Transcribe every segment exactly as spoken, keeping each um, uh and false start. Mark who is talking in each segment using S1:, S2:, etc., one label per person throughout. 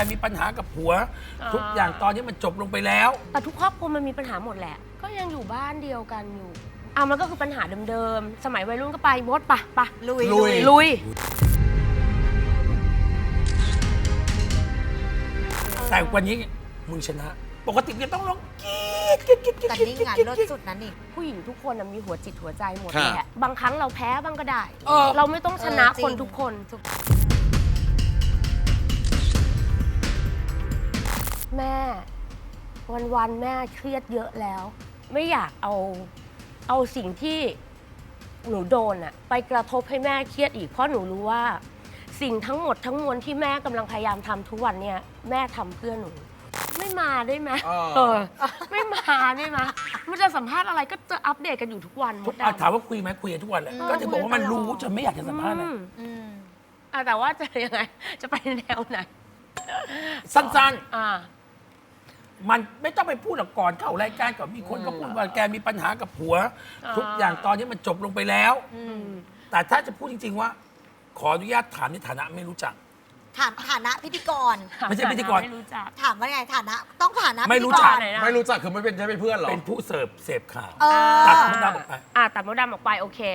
S1: มีปัญหากับผัว ทุกอย่างตอนนี้มันจบลงไปแล้ว
S2: แต่ทุกครอบครัวมันมีปัญหาหมดแหละก็ยังอยู่บ้านเดียวกันอยู่อ่ะมันก็คือปัญหาเดิมๆสมัยวัยรุ่นก็ไปมดปะปะ
S3: ลุย
S1: ลุย
S2: ลุย
S1: แต่วันนี้มึงชนะ ปกติจะต้องร้องกรี๊ดกรี๊ดกรี๊ดกรี๊ด
S3: แต่นี่งานเลิศสุดนั้นอีก
S2: ผู้หญิงทุกคนน่ะมีหัวจิตหัวใจหมด
S4: ค่ะ
S2: แหละบางครั้งเราแพ้บ้างก็ได้
S1: เออ
S2: เราไม่ต้องชนะ
S3: เออจริง
S2: คนทุกคนแม่วันๆแม่เครียดเยอะแล้ว ไม่อยากเอาเอาสิ่งที่หนูโดนอะไปกระทบให้แม่เครียดอีกเพราะหนูรู้ว่า สิ่งทั้งหมดทั้งมวลที่แม่กำลังพยายามทำทุกวันเนี่ยแม่ทำเพื่อหนู ไม่มาได้ไหม
S4: เออ
S2: เออไม่มาได้ไหมมันจะสัมภาษณ์อะไรก็จะอัปเดตกันอยู่ทุกวันม
S1: ทุก
S2: ด
S1: อ่ะ
S2: ดำ
S1: ถามว่าคุยไหมคุยกันทุกวันแหละ
S3: อืม
S1: ก็จะบอกว่ามันรู้จนไม่อยากจะสัมภาษณ์เลย
S2: อืม
S3: อืม
S2: อ่ะแต่ว่าจะยังไง จะไปแนวไหน
S1: สั้น
S2: อ่า
S1: ๆ มันไม่ต้องไปพูดหรอกก่อนเข้ารายการก่อนมีคนก็พูดว่าแกมีปัญหากับผัว
S2: อ่า
S1: ทุกอย่างตอนนี้มันจบลงไปแล้ว
S3: อืม
S1: แต่ถ้าจะพูดจริง ๆ ว่า ขออนุญาตถามในฐานะไม่รู้จัก
S3: ถามฐานะพิธีกร
S1: ไม่ใช่พิธีกร
S2: ไม่รู้จัก
S3: ถามว่าไงฐานะ ต้องฐานะ
S1: ไม่
S3: พิธี
S1: รู้
S3: ก
S1: จัก
S3: ร
S2: ไหนนะ
S4: ไม่รู้จักคือไม่เป็นใช่เป็นเพื่อนเหรอ
S1: เป็นผู้เสิร์ฟเสพข่าว
S3: เออ
S1: ตัดมดดำออกไป
S2: อ่ะตัดมดดำออกไปโอเค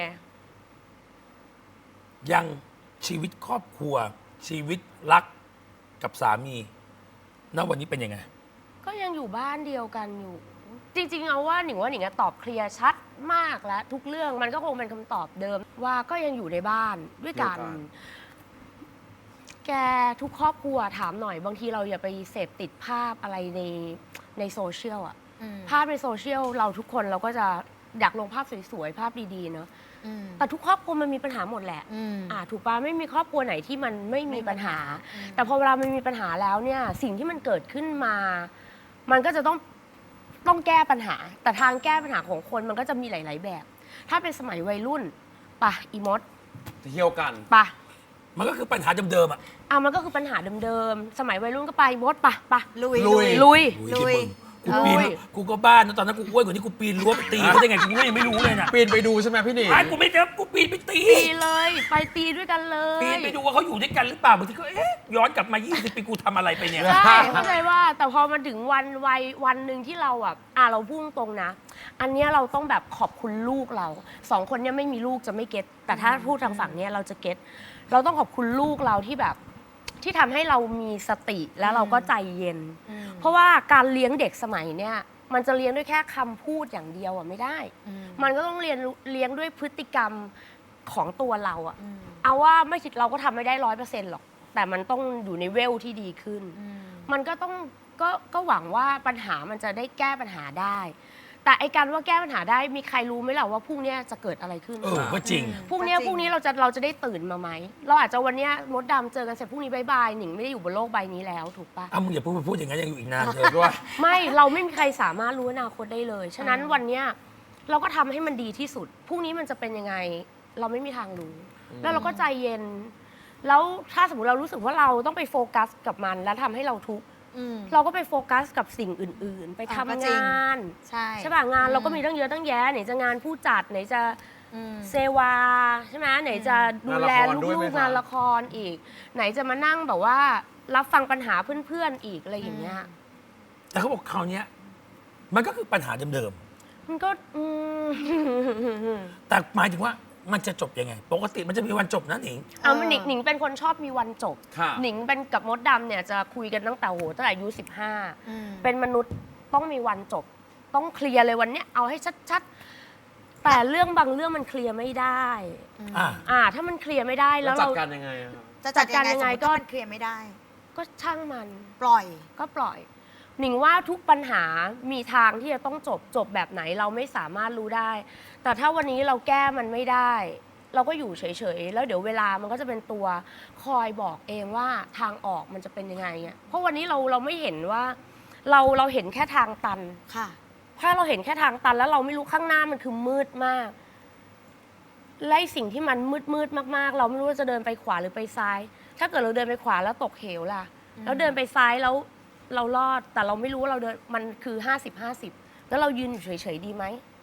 S1: ยังชีวิตครอบครัว ชีวิตรักกับสามีณวันนี้เป็นยังไง
S2: ก็ยังอยู่บ้านเดียวกันอยู่ จริงๆเอาว่าหนิงว่าหนิงอะตอบเคลียร์ชัดมากแล้ว ทุกเรื่องมันก็คงเป็นคำตอบเดิม ว่าก็ยังอยู่ในบ้านด้วยกัน
S4: ด้วยกัน
S2: แกทุกครอบครัวถามหน่อย บางทีเราอย่าไปเสพติดภาพอะไรในในโซเชียลอะ
S3: อืม
S2: ภาพในโซเชียลเราทุกคนเราก็จะอยากลงภาพสวยๆภาพดีๆเนาะ
S3: อืม
S2: แต่ทุกครอบครัวมันมีปัญหาหมดแหละ
S3: อืม
S2: อ่าถูกปะไม่มีครอบครัวไหนที่มันไม่มีปัญหา
S3: อืม
S2: แต่พอเวลามันมีปัญหาแล้วเนี่ยสิ่งที่มันเกิดขึ้นมา มันก็จะต้องต้องแก้ปัญหา แต่ทางแก้ปัญหาของคนมันก็จะมีหลาย ๆ แบบ ถ้าเป็นสมัยวัยรุ่นปะอีมด
S4: เที่ยวกัน
S2: ปะ
S1: มันก็คือปัญหาเดิมๆอ่ะ
S2: อ่ะมันก็คือปัญหาเดิมๆสมัยวัยรุ่นก็ไปมดปะปะ
S3: ลุย
S4: ลุย
S2: ลุย
S3: ลุย
S1: กูปีนกูก็บ้านนะตอนนั้นกูอ้วนกว่านี้กูปีนรั้วไปตีเขาได้ไงกูก็ยังไม่รู้เลยนะ
S4: ปีนไปดูใช่ไหมพี่หนิง
S1: ไอ้กูไม่เจอกูปีนไปตี
S2: ตีเลย ไปตีด้วยกันเลย
S1: ปีนไปดูว่าเขาอยู่ด้วยกันหรือเปล่าบางทีก็เอ๊ะย้อนกลับมา ยี่สิบ ปีกูทำอะไรไปเนี่ย
S2: ใช่เข้าใจว่าแต่พอมาถึงวันวัยวันหนึ่งที่เราอ่ะอ่ะเราพุ่งตรงนะ อันเนี้ยเราต้องแบบขอบคุณลูกเราสองคนเนี้ยไม่มีลูกจะไม่เก็ตแต่ถ้าพูดทางฝั่งเนี้ยเราจะเก็ตเราต้องขอบคุณลูกเราที่แบบที่ทำให้เรามีสติแล้วเราก็ใจเย็น
S3: อืม
S2: เพราะว่าการเลี้ยงเด็กสมัยเนี้ยมันจะเลี้ยงด้วยแค่คำพูดอย่างเดียวอ่ะไม่ได้
S3: อืม
S2: มันก็ต้องเรียนรู้เลี้ยงด้วยพฤติกรรมของตัวเราอ่ะ
S3: อืม
S2: เอาว่าไม่คิดเราก็ทำไม่ได้ร้อยเปอร์เซ็นต์หรอก แต่มันต้องอยู่ในเวลที่ดีขึ้น
S3: อืม
S2: มันก็ต้องก็ก็หวังว่าปัญหามันจะได้แก้ปัญหาได้ แต่ไอการว่าแก้ปัญหาได้มีใครรู้ไหมล่ะว่าพรุ่งนี้จะเกิดอะไรขึ้น
S1: เออก็จริง
S2: พรุ่งนี้
S3: ก็จริง
S2: พรุ่งนี้เราจะเราจะได้ตื่นมาไหมเราอาจจะวันเนี้ยมดดำเจอกันเสร็จพรุ่งนี้บายบายหนิงไม่ได้อยู่บนโลกใบนี้แล้วถูกปะ
S1: อ้าวมึงอย่าพูดพูดอย่างนั้นยังอยู่อีกนานเลย
S4: ด้วย
S2: ไม่เราไม่มีใครสามารถรู้อนาคตได้เลย ฉะนั้นวันเนี้ยเราก็ทำให้มันดีที่สุดพรุ่งนี้มันจะเป็นยังไง เราไม่มีทางรู้ แล้วเราก็ใจเย็น แล้วถ้าสมมติเรารู้สึกว่าเราต้องไปโฟกัสกับมันแล้วทำให้เราทุกข์
S3: อืม
S2: เราก็ไปโฟกัสกับสิ่งอื่น ๆ ไป
S3: อ่ะ
S2: ทำ
S3: ก็จริง
S2: งาน
S3: ใช่
S2: ใช่ป่ะงาน
S3: อืม
S2: เราก็มีตั้งเยอะตั้งแยะไหนจะงานผู้จัดไหนจะ
S3: อืม
S2: เซวาใช่ไหมไหนจะดูแล
S4: งานละครด้วยไหม
S2: ลูก
S4: คะ
S2: ๆงานละครอีก ไหนจะมานั่งแบบว่า รับฟังปัญหาเพื่อนๆอีกอะไรอย่างเงี้ย
S1: แต่เขาบอกคราวเนี้ยมันก็คือปัญหาเดิม
S2: มันก็อืม
S1: ๆแต่หมายถึงว่ามันจะจบยังไง ปกติมันจะมีวันจบนะหนิง
S2: เอาหนิงหนิงเป็นคนชอบมีวันจบ
S4: ค่ะ
S2: หนิงเป็นกับมดดำเนี่ยจะคุยกันตั้งแต่โหตั้งแต่อายุสิบห้า
S3: อืม
S2: เป็นมนุษย์ต้องมีวันจบ ต้องเคลียร์เลยวันเนี้ยเอาให้ชัดๆ แต่เรื่องบางเรื่องมันเคลียร์ไม่ได้
S1: อ่า
S2: อ่า ถ้ามันเคลียร์ไม่ได้
S4: แล้
S2: แล้ว ว
S4: จัด
S2: เรา
S4: การยังไงอะครับ
S3: จะจัดการ
S2: จัดการยั
S3: ยัง
S2: ง
S3: ไง
S2: ไง
S3: ก็
S2: ก็
S3: มันเคลียร์ไม่ได้
S2: ก็ช่างมัน
S3: ปล่อย
S2: ก็ปล่อย หนิงว่าทุกปัญหามีทางที่จะต้องจบจบแบบไหนเราไม่สามารถรู้ได้ แต่ถ้าวันนี้เราแก้มันไม่ได้ เราก็อยู่เฉยๆ แล้วเดี๋ยวเวลามันก็จะเป็นตัวคอยบอกเองว่าทางออกมันจะเป็นยังไงอ่ะเพราะวันนี้เราเราไม่เห็นว่า เราเราเห็นแค่ทางตัน
S3: ค่ะ
S2: ถ้าเราเห็นแค่ทางตันแล้วเราไม่รู้ข้างหน้ามันคือมืดมากและไอ้สิ่งที่มันมืดมืดๆมากๆ เราไม่รู้ว่าจะเดินไปขวาหรือไปซ้าย ถ้าเกิดเราเดินไปขวาแล้วตกเหวล่ะ
S3: อืม
S2: แล้วเดินไปซ้ายแล้วเรารอด แต่เราไม่รู้ว่าเราเดินมันคือห้าสิบห้าสิบแล้วเรายืนอยู่เฉยๆดีไหม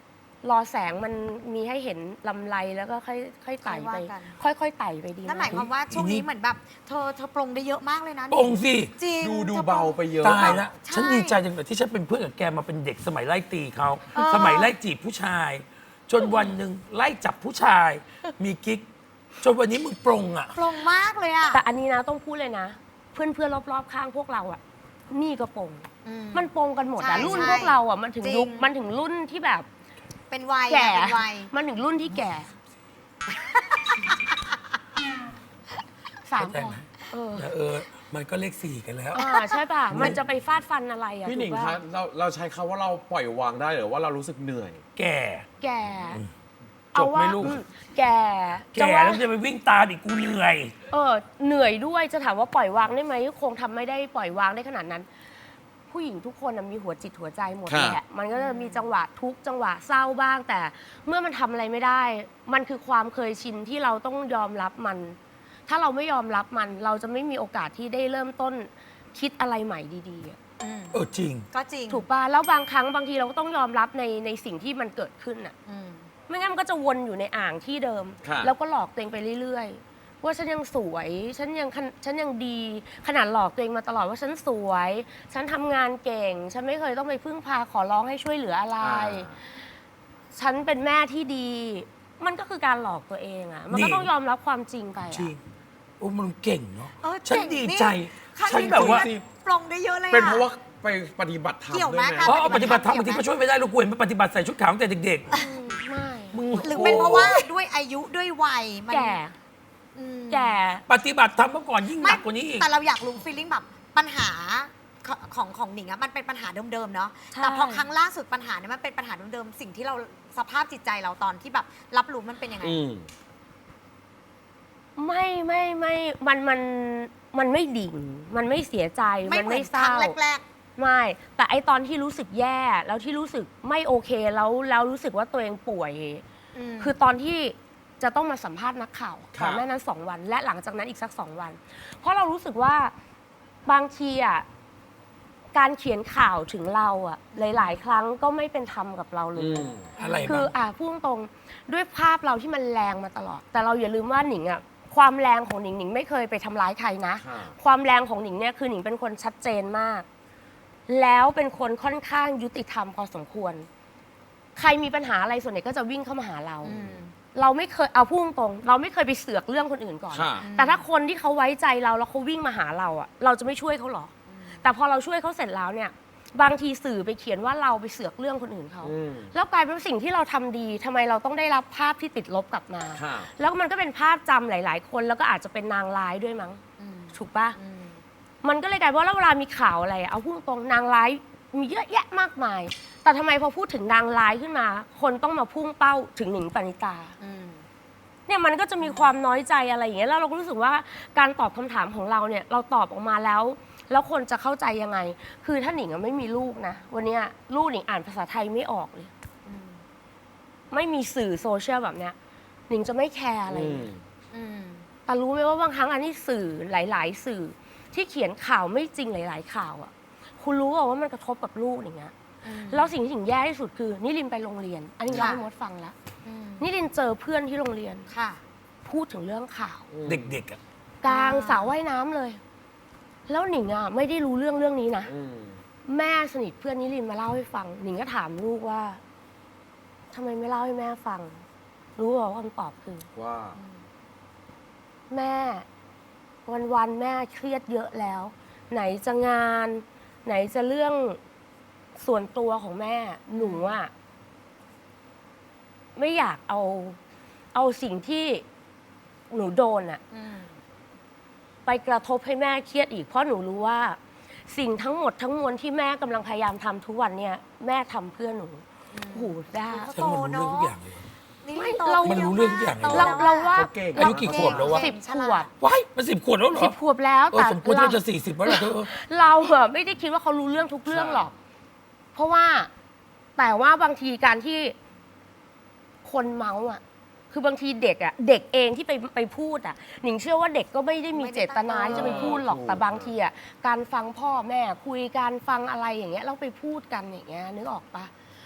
S2: รอแสงมันมีให้เห็นลำไรแล้วก็ค่อยค่อยไต่ไป
S3: ค่อยว่ากัน
S2: ค่อยๆไต่ไปดี
S3: นั่นหมายความว่าช่วงนี้เหมือนแบบเธอเธอปรงได้เยอะมากเลยนะ
S1: ปรงสิ
S3: จริง
S4: ดูดู
S3: ธอปรง
S4: เบาไปเยอะ
S1: ตายแล้ว
S3: ใช่
S1: ฉันดีใจจังเลยที่ฉันเป็นเพื่อนกับแกมาเป็นเด็กสมัยไล่ตีเขา
S3: เออ
S1: สมัยไล่จีบผู้ชาย จนวันหนึ่งไล่จับผู้ชาย มีกิ๊ก จนวันนี้มึงปรงอ่ะ
S3: ปรงมากเลยอ่ะ
S2: แต่อันนี้นะต้องพูดเลยนะ เพื่อนๆรอบๆข้างพวกเราอ่ะนี่ก็ปรง
S3: อืม
S2: มันปรงกันหมด
S3: ใช่
S2: แต่รุ่น
S3: ใช่
S2: พวกเราอ่ะมันถึง
S3: จริง
S2: ยุคมันถึงรุ่นที่แบบ
S3: เป็นวัย
S2: แก่
S3: อะเป็นวัย
S2: มันถึงรุ่นที่แก่สาม
S1: เข้าใจ
S2: พอ
S1: ไหม
S2: เออ
S1: แต่เออ มันก็เลขสี่กันแล้ว
S2: อ่าใช่ป่ะ มันจะไปฟาดฟันอะไรอ่ะ
S4: พี่หนิง
S2: ถูก
S4: คะ
S2: ป่ะ
S4: เราเราใช้คำว่าเราปล่อยวางได้หรือว่าเรารู้สึกเหนื่อย
S1: แก่
S2: แก่
S1: จบไหม
S2: ว่า
S1: ลูก
S2: อืมแก่
S1: แก่
S2: ว่า
S1: แล้วจะไปวิ่งตามอีกกูเหนื่อย
S2: เออเหนื่อยด้วยจะถามว่าปล่อยวางได้ไหมคงทำไม่ได้ปล่อยวางได้ขนาดนั้น ผู้หญิงทุกคนน่ะมีหัวจิตหัวใจหมด
S4: ครับ
S2: แหละมันก็จะมีจังหวะทุกข์จังหวะเศร้าบ้าง แต่เมื่อมันทำอะไรไม่ได้ มันคือความเคยชินที่เราต้องยอมรับมัน ถ้าเราไม่ยอมรับมัน เราจะไม่มีโอกาสที่ได้เริ่มต้นคิดอะไรใหม่ดีๆอะ
S3: อืม
S1: เออจริง
S3: ก็จริง
S2: ถูกป่ะแล้วบางครั้งบางทีเราก็ต้องยอมรับในในสิ่งที่มันเกิดขึ้นอ่ะ
S3: อืม
S2: ไม่งั้นมันก็จะวนอยู่ในอ่างที่เดิม
S4: ครับ
S2: แล้วก็หลอกตัวเองไปเรื่อยๆ ว่าฉันยังสวย ฉันยังขนฉันยังดี ขนาดหลอกตัวเองมาตลอดว่าฉันสวย ฉันทำงานเก่ง ฉันไม่เคยต้องไปพึ่งพาขอร้องให้ช่วยเหลืออะไร
S4: อ่า
S2: ฉันเป็นแม่ที่ดี มันก็คือการหลอกตัวเองอะมันก็
S1: นี่
S2: ต้องยอมรับความจริงไป
S1: จริ
S2: อะ
S1: ง โอ้มันเก่งเนาะ
S3: เออ
S1: ฉัน
S3: เก่ง
S1: ดี
S3: นี่
S1: ใจ
S3: ครั้ง
S1: ฉัน
S3: นี้
S1: แบบว่า
S3: คุณปรงได้เยอะเลย
S4: เป็น
S3: อะ
S4: เพราะว่าไปปฏิบัติธรรม
S3: เกี่ยวไหม
S4: ด้วยไหม
S3: คะ
S1: เพราะเอาปฏิบัติธรรมบางทีก็ช่วยไม่ได้ลูกกูเห็นมันปฏิบัติใส่ชุดขาวตั้งแต่เด็ก
S2: อืมไม่
S1: ๆมึง
S3: หรือเป็นเพราะว่าด้วยอายุด้วยวัยมัน
S2: แก่
S3: อืม
S2: แก่
S1: ปฏิบัติธรรมเมื่อก่อนยิ่งห
S3: ไม่
S1: นักกว่านี้อีก
S3: แต่เราอยากรู้ฟีลลิ่งแบบปัญหาของของของหนิงอะมันเป็นปัญหาเดิมๆเนาะ
S2: ใช่
S3: แต่พอครั้งล่าสุดปัญหาเนี่ยมันเป็นปัญหาเดิมๆสิ่งที่เราสภาพจิตใจเราตอนที่แบบรับรู้มันเป็นยังไง
S4: อืม
S2: ไม่ไม่ไม่มันมันมันไม่ดิ่ง มันไม่เสียใจ
S3: ไม่
S2: มัน
S3: เหมื
S2: ไม่
S3: อน
S2: เศ
S3: ครั้
S2: ร้า
S3: งแรก
S2: ไม่ แต่ไอตอนที่รู้สึกแย่แล้วที่รู้สึกไม่โอเคแล้วแล้วรู้สึกว่าตัวเองป่วย
S3: ๆม
S2: คือตอนที่จะต้องมาสัมภาษณ์นักข่าว
S4: ครับ
S2: ก่อนหน้านั้นสองวัน และหลังจากนั้นอีกสักสองวัน เพราะเรารู้สึกว่าบางทีอ่ะการเขียนข่าวถึงเราอ่ะหลาย ๆ ครั้งก็ไม่เป็นธรรมกับเราเล
S4: อื
S2: ย
S4: ม
S1: อะไร
S2: คือ
S1: บ้าง
S2: อ่ะพูดตรงๆด้วยภาพเราที่มันแรงมาตลอด แต่เราอย่าลืมว่าหนิงอ่ะความแรงของหนิงหนิงไม่เคยไปทำร้ายใครนะ
S4: ครับ
S2: ความแรงของหนิงเนี่ยคือหนิงเป็นคนชัดเจนมาก แล้วเป็นคนค่อนข้างยุติธรรมพอสมควร ใครมีปัญหาอะไรส่วนใหญ่ก็จะวิ่งเข้ามาหาเรา
S3: อืม
S2: เราไม่เคยเอาพูดตรงๆเราไม่เคยไปเสือกเรื่องคนอื่นก่อน
S4: ค่ะ
S2: แต่ถ้าคนที่เขาไว้ใจเราแล้วเขาวิ่งมาหาเราอ่ะ เราจะไม่ช่วยเขาหรอก แต่พอเราช่วยเขาเสร็จแล้วเนี่ย บางทีสื่อไปเขียนว่าเราไปเสือกเรื่องคนอื่นเขา
S4: อืม
S2: แล้วกลายเป็นว่าสิ่งที่เราทำดีทำไมเราต้องได้รับภาพที่ติดลบกลับมา
S4: ค่ะ
S2: แล้วมันก็เป็นภาพจำหลาย ๆ คนแล้วก็อาจจะเป็นนางร้ายด้วยมั้ง
S3: อืม
S2: ถูกปะ
S3: อืม
S2: มันก็เลยกลายเป็นว่าแล้วเวลามีข่าวอะไรอะเอาพูดตรงๆนางร้ายมีเยอะแยะมากมาย แต่ทำไมพอพูดถึงนางร้ายขึ้นมา คนต้องมาพุ่งเป้าถึงหนิงปณิตา
S3: อืม
S2: เนี่ยมันก็จะมีความน้อยใจอะไรอย่างเงี้ยแล้วเราก็รู้สึกว่าการตอบคำถามของเราเนี่ยเราตอบออกมาแล้ว แล้วคนจะเข้าใจยังไง คือถ้าหนิงอะไม่มีลูกนะวันเนี้ยลูกหนิงอ่านภาษาไทยไม่ออกเลย
S3: อืม
S2: ไม่มีสื่อโซเชียลแบบเนี้ยหนิงจะไม่แคร์อะไร
S4: อื
S2: เล
S4: ม
S2: ย
S3: อืม
S2: แต่รู้ไหมว่าบางครั้งอันนี้สื่อหลาย ๆ สื่อที่เขียนข่าวไม่จริงหลาย ๆ ข่าวอ่ะ คุณรู้เปล่าว่ามันกระทบกับลูกอย่างเงี้ย
S3: อืม
S2: แล้วสิ่งที่ถึงแย่ที่สุดคือนิรินไปโรงเรียน อันนี้เล่า
S3: ค่ะ
S2: ให้มดฟังแล้ว
S3: อืม
S2: นิรินเจอเพื่อนที่โรงเรียน
S3: ค่ะ
S2: พูดถึงเรื่องข่าว
S1: เด็กๆอ่ะ
S2: กลาง
S3: อ่า
S2: สระว่ายน้ำเลย แล้วหนิงอ่ะไม่ได้รู้เรื่องเรื่องนี้นะ
S4: อืม
S2: แม่สนิทเพื่อนนิรินมาเล่าให้ฟัง หนิงก็ถามลูกว่าทำไมไม่เล่าให้แม่ฟัง รู้เปล่าว่าคำตอบคือ
S4: ว่า
S2: แม่ วันๆแม่เครียดเยอะแล้ว ไหนจะงาน ไหนจะเรื่องส่วนตัวของแม่ หนูอะไม่อยากเอาเอาสิ่งที่หนูโดนอะ
S3: อืม
S2: ไปกระทบให้แม่เครียดอีก เพราะหนูรู้ว่า สิ่งทั้งหมดทั้งมวลที่แม่กำลังพยายามทำทุกวันเนี่ยแม่ทำเพื่อหนูโอ้โหด้า
S3: เขา
S1: ฉันมันรู้เรื่องทุกอย่างเลย
S3: นี่
S2: ไม่
S3: โต
S2: เรา
S1: มันรู้เรื่องทุกอย่างเลย
S3: โต
S2: เรา
S3: แล้ว
S2: เราว่า
S4: เขาเก่ง
S1: อายุกี่ขวบแล้ววะ
S2: สิบขวบ
S1: ว้ายมันสิบขวบแล้วเหรอ
S2: สิบขวบแล้ว
S1: เออ
S2: แต่
S1: สมควร
S2: เรา
S1: ที่จะสี่สิบแล้วเหรอเธอ
S2: เราอะไม่ได้คิดว่าเขารู้เรื่องทุกเรื่องหรอก เพราะว่าแต่ว่าบางทีการที่คนเมาส์อ่ะ คือบางทีเด็กอ่ะ เด็กเองที่ไปไปพูดอ่ะ หนิงเชื่อว่าเด็กก็ไม่ได้มีเจตนาที่จะไปพูดหรอก
S4: ถูก
S2: แต่บางทีอ่ะ การฟังพ่อแม่คุยการฟังอะไรอย่างเงี้ยเราไปพูดกันอย่างเงี้ยนึกออกปะ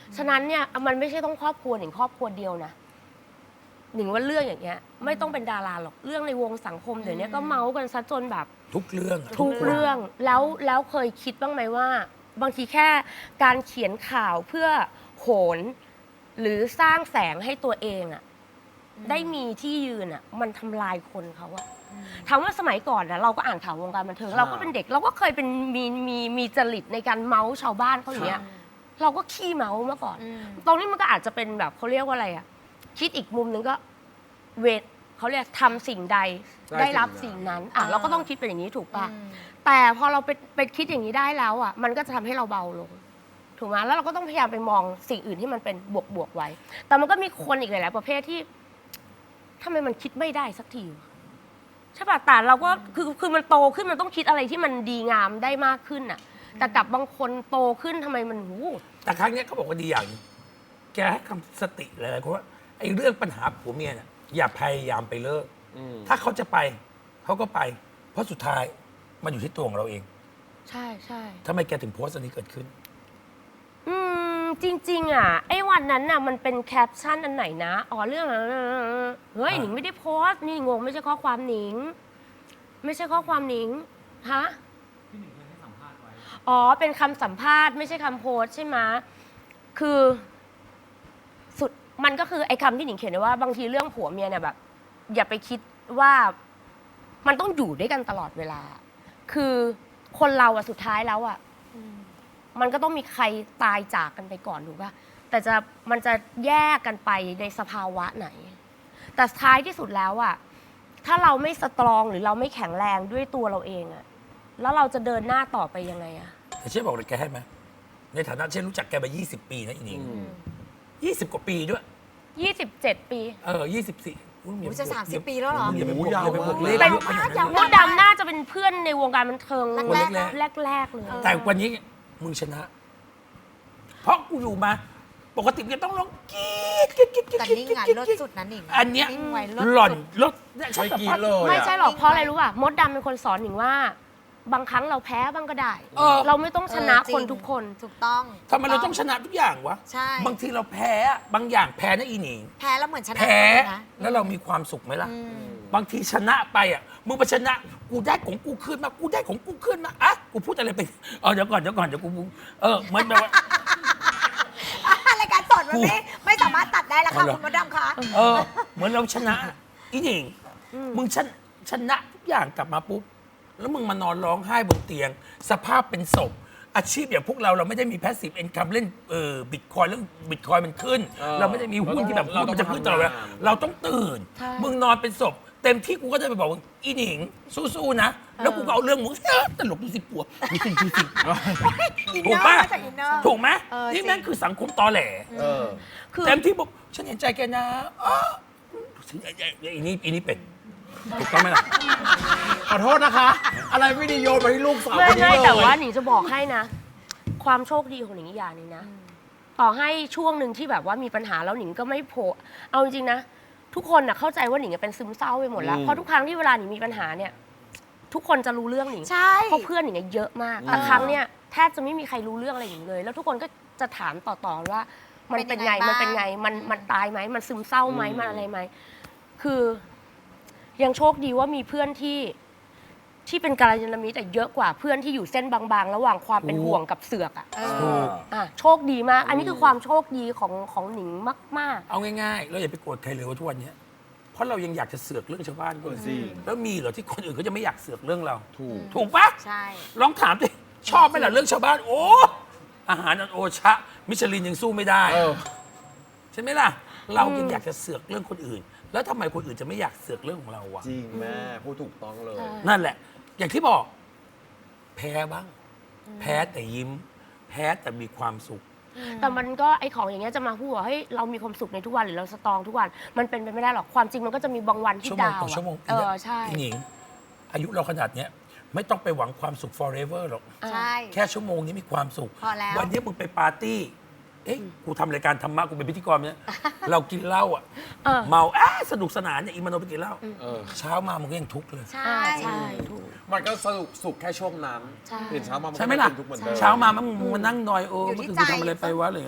S2: ฉะนั้นเนี่ยมันไม่ใช่ต้องครอบครัวหนิงครอบครัวเดียวนะหนิงว่าเรื่องอย่างเงี้ยไม่ต้องเป็นดาราหรอกเรื่องในวงสังคมเดี๋ยวนี้ก็เมาส์กันซะจนแบบ
S1: ทุกเรื่องอะ
S2: ทุกเรื่องแล้วแล้วเคยคิดบ้างไหมว่า บางทีแค่การเขียนข่าวเพื่อโหน หรือสร้างแสงให้ตัวเองอะได้มีที่ยืนอะมันทำลายคนเขาอะถามว่าสมัยก่อนนะเราก็อ่านข่าววงการบันเทิง
S4: ค่ะ
S2: เราก็เป็นเด็กเราก็เคยเป็นมีมีมีจริตในการเมาส์ชาวบ้านเขาอย่างเงี้ยเราก็ขี้เมาส์มาก่อน
S3: อืม
S2: ตรงนี้มันก็อาจจะเป็นแบบเขาเรียกว่าอะไรอะคิดอีกมุมหนึงก็เวทเขาเรียกทำสิ่งใดได้รับสิ่งนั้นอ่ะเราก็ต้องคิดเป็นอย่างนี้ถูกปะ
S3: อืม
S2: แต่พอเราไปไปคิดอย่างนี้ได้แล้วอ่ะมันก็จะทำให้เราเบาลงถูกไหมแล้วเราก็ต้องพยายามไปมองสิ่งอื่นที่มันเป็นบวกบวกๆไว้ แต่มันก็มีคนอีกหลายๆประเภทที่ทำไมมันคิดไม่ได้สักทีวะใช่ป่ะแต่เราก็คือคือมันโตขึ้นมันต้องคิดอะไรที่มันดีงามได้มากขึ้นอ่ะ แต่กับบางคนโตขึ้นทำไมมันหู
S1: แต่ครั้งเนี้ยเขาบอกว่าดีอย่างหนึงแกให้คำสติหลายๆคนว่าไอ้เรื่องปัญหาผัวเมียเนี่ยอย่าพยายามไปเลิก
S4: อืม
S1: ถ้าเขาจะไปเขาก็ไป เพราะสุดท้ายมันอยู่ที่ตัวของเราเอง
S2: ใช่ใช่
S1: ทำไมแกถึงโพสต์อันนี้เกิดขึ้น
S2: อืมจริง ๆ อ่ะไอ้วันนั้นน่ะมันเป็นแคปชั่นอันไหนนะอ๋อเรื่องเฮ้ย
S1: อ่า
S2: หนิงไม่ได้โพสต์นี่งงไม่ใช่ข้อความหนิง ไม่ใช่ข้อความหนิงฮะอ๋อเป็นคำสัมภาษณ์ไม่ใช่คำโพสต์ใช่ไหมคือสุดมันก็คือไอ้คำที่หนิงเขียนไว้ว่าบางทีเรื่องผัวเมียเนี่ยแบบ อย่าไปคิดว่ามันต้องอยู่ด้วยกันตลอดเวลา คือคนเราอะสุดท้ายแล้วอะ มันก็ต้องมีใครตายจากกันไปก่อนถูกป่ะ แต่จะมันจะแยกกันไปในสภาวะไหน แต่ท้ายที่สุดแล้วอะถ้าเราไม่สตรองหรือเราไม่แข็งแรงด้วยตัวเราเองอะแล้วเราจะเดินหน้าต่อไปยังไงอะ
S1: แต่เช่บอกเลยแกให้ไหมในฐานะเช่นรู้จักแกมา ยี่สิบ ปีนะอีนิง
S4: อืม
S1: ยี่สิบ กว่าปีด้วย
S2: ยี่สิบเจ็ดปี
S1: เออยี่สิบสี่
S3: อุ๊ยจะสามสิบปีแล้วเหรอ
S1: อย่าไปบวก
S4: โอ้ยาว
S1: อย่าไปบวก
S4: มาก
S1: เลข
S2: เป็น
S1: เยอะขนาดนั้น
S2: มดดำน่าจะเป็นเพื่อนในวงการบันเทิง
S3: คนแรก
S2: แรกๆเลย
S1: แต่วันนี้มึงชนะ เพราะกูอยู่มา ปกติมึงจะต้องร้องกรี๊ดกรี๊ดกรี๊ดกรี๊ด
S3: แต่
S1: กรี๊ด
S3: นิ่ง
S1: กรี๊ด
S3: อ่ะ
S1: กรี๊ด
S3: เลิศ
S1: กรี๊ด
S3: สุดนะนิ่ง
S1: อันเนี้ย
S3: นิ่งไว้เลิศ
S1: หล่อน
S3: สุด
S1: ลดเนี่ยฉัน
S4: ไม่
S1: สัม
S4: กิน
S1: ภาษณ์
S4: เลย
S2: ไม่
S4: อะ
S2: ใช่หรอกเพราะอะไรรู้ป่ะมดดำเป็นคนสอนหนิงว่า บางครั้งเราแพ้บ้างก็ได้
S1: เออ
S2: เราไม่ต้องชนะ
S3: เออจริง
S2: คนทุกคน
S3: ถูกต้อง
S1: ทำไมเราต้องชนะทุกอย่างวะ
S3: ใช่
S1: บางทีเราแพ้อะบางอย่างแพ้นะอีหนิง
S3: แพ้แล้วเหมือนชนะ
S1: แพ้
S3: นะ
S1: แล้วเรามีความสุขไหมล่ะ
S3: อืม
S1: บางทีชนะไปอ่ะ มึงไปชนะ กูได้ของกูขึ้นมา กูได้ของกูขึ้นมาอ่ะกูพูดอะไรไปเออเดี๋ยวก่อนเดี๋ยวก่อนเดี๋ยวกูเออเหมือนแบบว่า
S3: รายการสดมันไม่ไม่สามารถตัดได้แล้วค่ะ
S1: เอาเหรอ
S3: คุณมดดำคะ
S1: เออ เหมือนเราชนะ อีหนิงมึงชนะชนะทุกอย่างกลับมาปุ๊บ แล้วมึงมานอนร้องไห้บนเตียง สภาพเป็นศพ อาชีพอย่างพวกเราเราไม่ได้มีแพสซีฟเอนคัมเล่นเออบิตคอยเรื่องบิตคอยมันขึ้น
S4: เออ
S1: เราไม่ได้มีหุ้นที่แบบ
S4: เรา
S1: หุ้น
S4: ต้อง
S1: มันจะขึ้นตลอดเวลา
S4: ทำงาน
S1: เราต้องตื่น
S2: ใช่
S1: มึงนอนเป็นศพ เต็มที่กูก็จะไปบอกว่าอีหนิงสู้ๆนะ แล้วกูก็เอาเรื่องมึงเอ้อตลกดูสิปัวดูสิดูสิ
S3: อิน
S1: ถู
S3: เน
S1: ก
S3: อ
S1: ปะ
S3: ร์มาจากอินเนอร์
S1: ถูกไหม
S3: เออ
S1: นี่
S3: จริง
S1: แม่งคือสังคมตอแหล
S4: เออ
S2: คือ
S1: เต็มที่บอกฉันเห็นใจแกนะอ้อฉันไอ้ไอ้ไอ้นี่ไอ้นี่เป็นถูกต้องไหมล่ะ
S4: ขอโทษนะคะ อะไรไม่ดีโยนมาที่ลูกสาว
S2: ไม่
S4: คนนี้
S2: ไม่
S4: เลย
S2: แต่ว่าหนิงจะบอกให้นะ ความโชคดีของหนิงอีกอย่างหนึงนะ ต่อให้ช่วงหนึ่งที่แบบว่ามีปัญหาแล้วหนิงก็ไม่โผล่เอาจริงๆนะ ทุกคนน่ะเข้าใจว่าหนิงเป็นซึมเศร้าไปหมดแล้ว
S4: อืม
S2: เพราะทุกครั้งที่เวลาหนิงมีปัญหาเนี่ย ทุกคนจะรู้เรื่องหนิง
S3: ใช่
S2: เพราะเพื่อนหนิงอะเยอะมากแต่ครั้งเนี่ยแทบจะไม่มีใครรู้เรื่องอะไรหนิงเลย แล้วทุกคนก็จะถามต่อๆว่า มันเป็นไงมันเป็นไงมันมันตายไหมมันซึมเศร้าไหมมันอะไรไหมคือ ยังโชคดีว่ามีเพื่อนที่ที่เป็นกัลยาณมิตรแต่เยอะกว่าเพื่อนที่อยู่เส้นบางๆ ระหว่างความเป็นห่วงกับเสือกอ่ะ
S3: เอ
S1: ถู
S3: อก
S2: อ่ะโชคดีมาก อันนี้คือความโชคดีของของหนิงมาก
S1: เอาง่ายๆ เราอย่าไปโกรธใครเลยว่าทุกวันเนี้ยเพราะเรายังอยากจะเสือกเรื่องชาวบ้านก็
S4: เออจริง
S1: แล้วมีเหรอที่คนอื่นเขาจะไม่อยากเสือกเรื่องเรา
S4: ถูก
S1: ถูกปะ
S3: ใช่
S1: ลองถามดิชอบไหมล่ะเรื่องชาวบ้าน โอ้อาหารอันโอชะ มิชลินยังสู้ไม่ได้
S4: เออ
S1: ใช่ไหมล่ะ เรายังอยากจะเสือกเรื่องคนอื่น แล้วทำไมคนอื่นจะไม่อยากเสือกเรื่องของเราวะ
S4: จริงแม่พูดถูกต้องเลย
S2: ใช่
S1: นั่นแหละ อย่างที่บอก แพ้บ้าง แพ้แต่ยิ้ม แพ้แต่มีความสุข
S2: ๆ แต่มันก็ไอของอย่างเงี้ยจะมาพูดว่าเฮ้ยเรามีความสุขในทุกวันหรือเราสตรองทุกวัน มันเป็นไปไม่ได้หรอกความจริงมันก็จะมีบางวันที่
S1: ชั่วโมง
S2: ดาว
S1: ต่อ
S2: อะ
S1: ชั่วโมง
S2: เออใช่
S1: พี่หญิง อายุเราขนาดเนี้ย ไม่ต้องไปหวังความสุข forever หรอก
S3: ใช่
S1: แค่ชั่วโมงนี้มีความสุข
S3: พอแล้ว
S1: วันนี้มึงไปปาร์ตี้ เอ๊ะ กูทำรายการธรรมะ กูเป็นพิธีกรเนี่ย เรากินเหล้าอ่ะ
S2: เออ
S1: เมาอ่ะสนุกสนานเนี่ยอีมโนไปกินเหล้า
S4: เออ
S1: เช้ามามึงก็ยังทุกข์เลย
S3: ใช่
S2: อ่าใช่ถูก
S4: มันก็สนุกสุขแค่ช่วงนั้น
S2: ใช่
S4: ตื่นเช้ามามัน
S1: ใช่
S4: ก็
S1: ไหม
S4: ไม่
S1: ล่ะ
S4: เป็นทุกเหมือนเดิม
S1: เช้ามามึงมึงมานั่งนอยโอ้
S3: อยู่
S1: เมื่อ
S3: ที่
S1: คืนกูทำอะไร
S3: ใจ
S1: ไปวะอะไรอย่างเงี้ย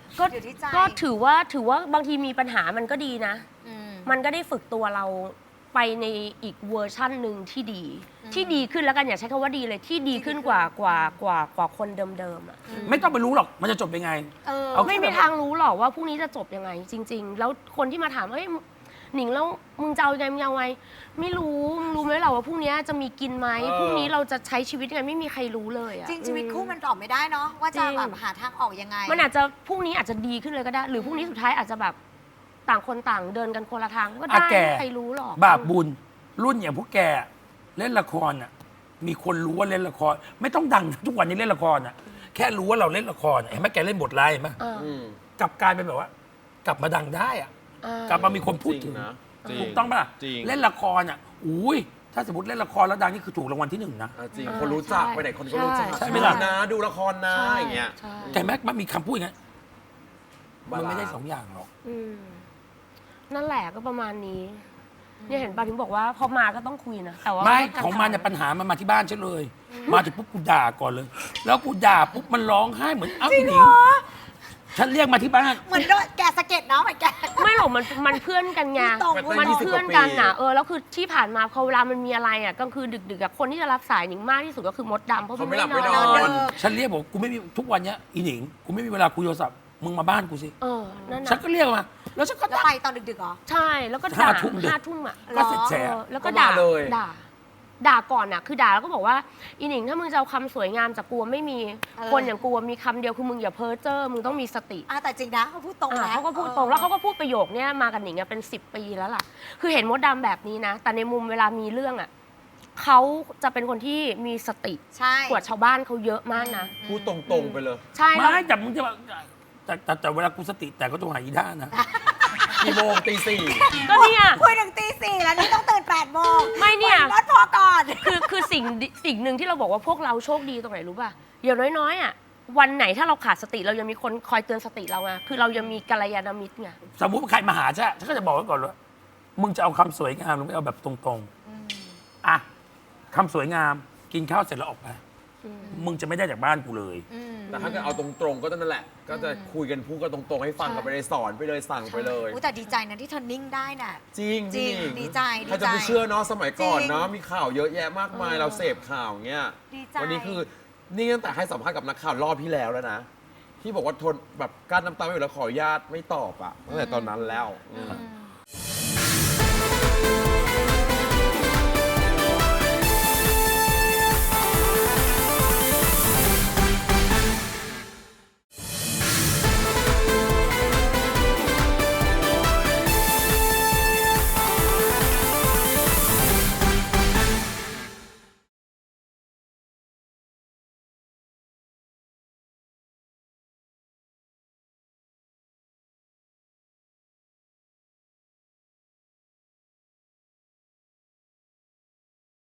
S2: ก็
S3: อยู่ที่ใจ
S2: ก็ถือว่าถือว่าบางทีมีปัญหามันก็ดีนะ
S3: อืม
S2: มันก็ได้ฝึกตัวเราไปในอีกเวอร์ชั่นหนึ่งที่ดี
S3: อืม
S2: ที่ดีขึ้นแล้วกันอย่าใช้คำว่าดีเลยที่ดีขึ้นกว่ากว่ากว่ากว่าคนเดิมๆอ่ะ
S1: ไม่ต้องไปรู้หรอกมันจะจบยังไง
S3: เออ
S1: เอา
S2: ไม่มีทางรู้หรอกว่าพรุ่งนี้จะจบยังไง จริง ๆ แล้วคนที่มาถามเอ้ยหนิงแล้วมึงจะเอายังไงมึงเอาไงไม่รู้มึงรู้ไหมเราว่าพรุ่งนี้จะมีกินไหม
S4: เออ
S2: พรุ่งนี้เราจะใช้ชีวิตยังไงไม่มีใครรู้เลยอะ
S3: จริงชีวิตคู่
S2: อื
S3: มันตอบไม่ได้เนาะว่าจะ
S2: จริง
S3: แบบหาทางออกยังไง
S2: มันอาจจะพรุ่งนี้อาจจะดีขึ้นเลยก็ได้ หรือพรุ่งนี้สุดท้ายอาจจะแบบต่างคนต่างเดินกันคนละทางก็ได้
S1: อ่ะแก
S2: ไม่มีใครรู้หรอก
S1: บาปบุญรุ่นอย่างพวกแกเล่นละครอ่ะมีคนรู้ว่าเล่นละคร ไม่ต้องดังทุกวันนี้เล่นละครอ่ะแค่รู้ว่าเราเล่นละครอะเห็นไหมแกเล่นบทร้ายเห็นไหม
S2: เออ
S4: อืม
S1: กลับกลายเป็นแบบว่า กลับมาดังได้อ่ะ
S2: เออก
S1: ลับมามีคนพูดถึง
S4: จรินะจริ
S1: ถูกต้องปะล่ะ
S4: จริง
S1: เล่นละครอ่ะอุ้ยถ้าสมมติเล่นละครแล้วดังนี่คือถูกรางวัลที่หนึ่งนะ
S4: อ่ะจริง
S2: อ่า
S4: คนรู้จัก
S2: ใช่
S4: ไปไหนคนก็รู้จัก
S1: ใช่ไหมล่ะ
S4: นะดูละครนะ
S2: ใช่
S4: อย่างเงี้ย
S2: ใช่
S1: แต่แม็กมันมีคำพูดอย่างนั้นมัน
S4: บาลานซ์
S1: ไม่ได้สองอย่างหรอก
S2: อืมนั่นแหละก็ประมาณนี้เนี่ยเห็นป่ะถึงบอกว่าพอมาก็ต้องคุยนะแต่ว่า
S1: ไม่
S2: ก็
S1: ของมันเนี่ยปัญหามันมาที่บ้านฉันเลย มาถึงปุ๊บกูด่าก่อนเลย แล้วกูด่าปุ๊บมันร้องไห้เหมือนอ้าวอีหนิงฉันเรียกมาที่บ้าน
S3: เหมือนโดนแกะสะเก็ดเนาะเหมือนแกะ
S2: ไม่หรอกมันมันเพื่อนกันไง
S3: ตรง
S2: มัน
S4: ยี่สิบ
S2: เพื่อน
S4: กว่าปี
S2: กันนะเออแล้วคือที่ผ่านมาพอเวลามันมีอะไรอ่ะกลางคืนดึกๆอะคนที่จะรับสายหนิงมากที่สุดก็คือมดดำเพราะมัน
S4: เขาไม่
S2: ไม่
S4: หลับไม่
S2: น
S4: น
S2: อ
S4: อน น
S1: ฉันเรียกบอกกูไม่มีทุกวันเนี้ยอีหนิงกูไม่มีเวลาคุยโทรศัพท์มึงมาบ้านกูสิ
S2: เออนั่น
S1: ฉัน
S2: นะ
S1: ก็เรียกมา แล้วฉันก็
S3: แล้ว
S1: ด่า
S3: ไปตอนดึกๆเหรอ
S2: ใช่แล้วก็
S1: ห้า
S2: ด่า
S1: ทุ่มดึก
S2: ห้าทุ่มอ่ะ
S1: ก็เสร็จแฉ
S2: เออแล้วก็
S4: ก็มา
S2: ด่า
S4: เลย
S2: ด่าด่าก่อนอ่ะคือด่าแล้วก็บอกว่าอีหนิงถ้ามึงจะเอาคำสวยงามจากกูไม่มี
S3: เออ
S2: คนอย่างกูมีคำเดียวคือมึงอย่าเพ้อเจ้อมึงต้องมีสติ
S3: อ่ะแต่จริงนะเขาพูดตรง
S2: อ่า
S3: นะ
S2: เขาก็พูดตรงแล้วเขาก็พูดประโยคเนี้ยมากับหนิงอะเป็นสิบปีแล้วล่ะ คือเห็นมดดำแบบนี้นะ แต่ในมุมเวลามีเรื่องอ่ะเขาจะเป็นคนที่มีสติ
S3: ใช่
S2: กว่าชาวบ้านเขาเยอะมากนะ
S4: พูดตรงๆไปเลย
S2: ใช่แล้ว
S1: ไม่แต่มึงจะมาแต่แต่แต่เวลากูสติแต่ก็ต้องหาอีด้านะ
S4: กี่โมงตีสี่
S2: ก็เนี่ย
S3: คุยถึงตีสี่แล้วนี่ต้องตื่นแปดโมง
S2: ไม่เนี่ย
S3: รถพอก่อน
S2: คือคือสิ่งดิสิ่งหนึ่งที่เราบอกว่าพวกเราโชคดีตรงไหนรู้ป่ะอย่างน้อยๆอ่ะวันไหนถ้าเราขาดสติเรายังมีคนคอยเตือนสติเราไงคือเรายังมีกัลยาณมิตรไง
S1: สมมติว่าใครมาหาฉันฉันก็จะบอกไว้ก่อนว่ามึงจะเอาคำสวยงามหรือไม่เอาแบบตรงๆอ่ะคำสวยงามกินข้าวเสร็จแล้วออกไปมึงจะไม่ได้จากบ้านกูเลย
S3: อืม
S4: แต่ถ้าเกิดเอาตรงๆก็นั่นแหละ ก็จะคุยกันพูดกันตรงๆ ให้ฟังกันไปเลยสอนไปเลยสั่งไปเลย
S3: อุ๊ยแต่ดีใจนะที่เธอนิ่งได้น่ะ
S4: จริง
S3: จริง
S4: พี่
S3: ดีใจดีใจ
S4: ใครจะไปเชื่อเนาะสมัยก่อน
S3: จริง
S4: เนาะมีข่าวเยอะแยะมากมาย
S2: เออ
S4: เราเสพข่าวเงี้ย
S3: ดีใจ
S4: วันี้คือนี่ตั้งแต่ให้สัมภาษณ์กับนักข่าวรอบที่แล้วแล้วนะ ที่บอกว่าทนแบบกั้นน้ำตาไม่อยู่แล้วขออนุญาตไม่ตอบอะตั้งแต่ตอนนั้นแล้วอืม
S3: อืม